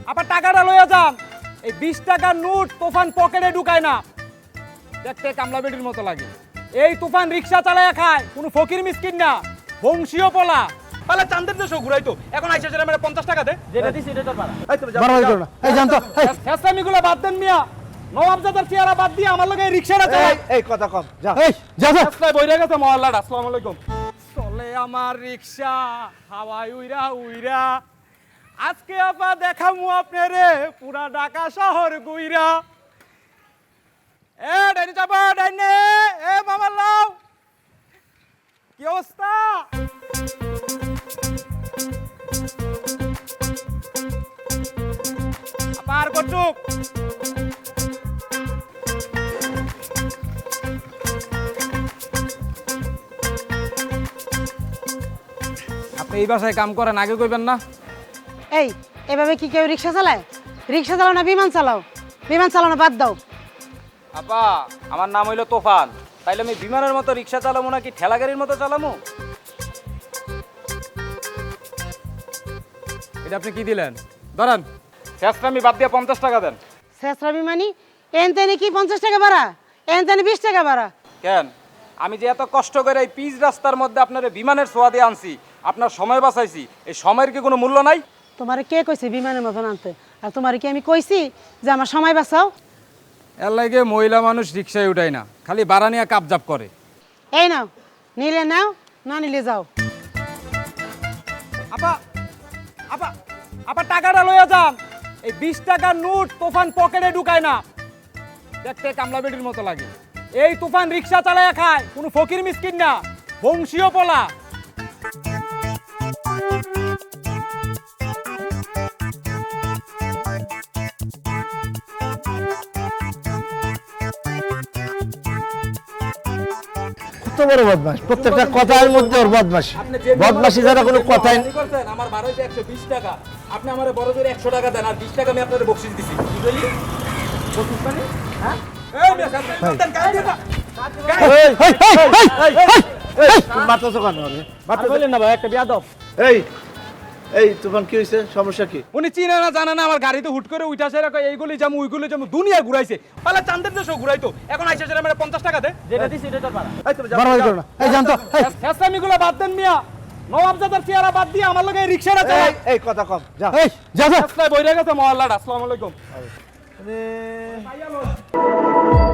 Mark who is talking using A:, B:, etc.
A: আবার টাকাটা লইয়া যান। এই 20 টাকার নোট তুফান পকেটে ঢুকায় না, দেখতে কামলা বেটির মতো লাগে। এই তুফান রিক্সা চালায়া খায়, কোনো ফকির মিসকিন না, বংশীয় পোলা। তাহলে চান্দের দেশও ঘুরাইতো, এখন আইসা সেটা মেরে 50 টাকা দে, যেটা দিছি এটা তোর পাড়া।
B: এই জানতো
A: ফেসলামিগুলো বাদ দেন মিয়া, নবাবজাদার চেহারা বাদ দিয়ে আমার লগে এই রিক্সাটা চালায়।
B: এই কথা কম যা এই যা যা
A: ফেসলায় বইরা গেছে মহল্লাটা। আসসালামু আলাইকুম। চলে আমার রিক্সা হাওয়ায় উইরা উইরা, আজকে আপা দেখামু আপনারে পুরা ঢাকা শহর গুইরা। এ ডাইনি চাপা ডাইনে, এ মামা লাও, কি অবস্থা? আপা আর কটুক। আপনি এই বাসায় কাম করেন, আগে কইবেন না?
C: এই এভাবে কি কেউ রিক্সা চালায়? রিক্সা চালাও না বিমান চালাও? বিমান চালানো বাদ দাও।
A: আপা আমার নাম হইলো তোফান, তাইলে আমি বিমানের মতো রিক্সা চালামো নাকি ঠেলা গাড়ির মতো চালামো? এটা আপনি কি দিলেন? ধরেন শেষটা আমি বাদ দিয়ে 50 টাকা দেন।
C: শেষরা বিমানি এন তেনে কি 50 টাকা ভাড়া? এন তেনে 20 টাকা ভাড়া।
A: কেন আমি যে এত কষ্ট করে এই পিচ রাস্তার মধ্যে আপনার বিমানের ছোঁয়া দিয়ে আনছি, আপনার সময় বাঁচাইছি, এই সময়ের কি কোনো মূল্য নাই?
C: তোমারে কে কইছে বিমানের মতন আনতে? আর তোমারে কি আমি কইছি যে আমার সময় বাঁচাও?
A: এর লাগে মহিলা মানুষ রিক্সায় উঠায় না, খালি বাড়া নিয়ে কাপজাপ করে।
C: এই নাও, নিলে নাও, না নিলে যাও।
A: আপা আপা আপা টাকাটা লইয়া যান। এই 20 টাকার নোট তুফান পকেটে ঢুকায় না, দেখতে কামলা বেটির মতো লাগে। এই তুফান রিক্সা চালায়া খায়, কোনো ফকির মিসকিন না, বংশীয় পোলা।
B: কত বড় বদমাশ, প্রত্যেকটা কথার মধ্যে ওর বদমাশি। বদমাশি ছাড়া কোনো কথাই
A: করছেন। আমার ভাড়া হইছে 120 টাকা, আপনি আমারে বড় করে 100 টাকা দেন, আর 20 টাকা আমি আপনারে বকশিশ দিছি। কি কইলি? বকশিশ মানে? হ্যাঁ? এই মিয়া সাথে দেন, গায়ে দেন না।
B: মারতেছো কেন ওরে?
A: আর বলেন না ভাই, একটা বিয়াদব।
B: এই এই তুফান কি হয়েছে? সমস্যা কি?
A: উনি চিনে না জানে না, আমার গাড়িতে হুট করে উইঠাছে, এইগুলি যাবো ওইগুলি যাবো, দুনিয়া ঘুরাইছে। পালা চান্দের দেশও ঘুরাইতো, এখন আইসা সেটা মেরে 50 টাকা দে, যেটা দিছি এটা তোর পাড়া।
B: এই জানতো
A: ফেসলামিগুলো বাদ দেন মিয়া, নবাবজাদার চেহারা বাদ দিয়ে আমার লগে এই রিক্সাটা চালায়।
B: এই কথা কম যা এই যা যা
A: ফেসলায় বইরা গেছে মহল্লাটা। আসসালামু আলাইকুম।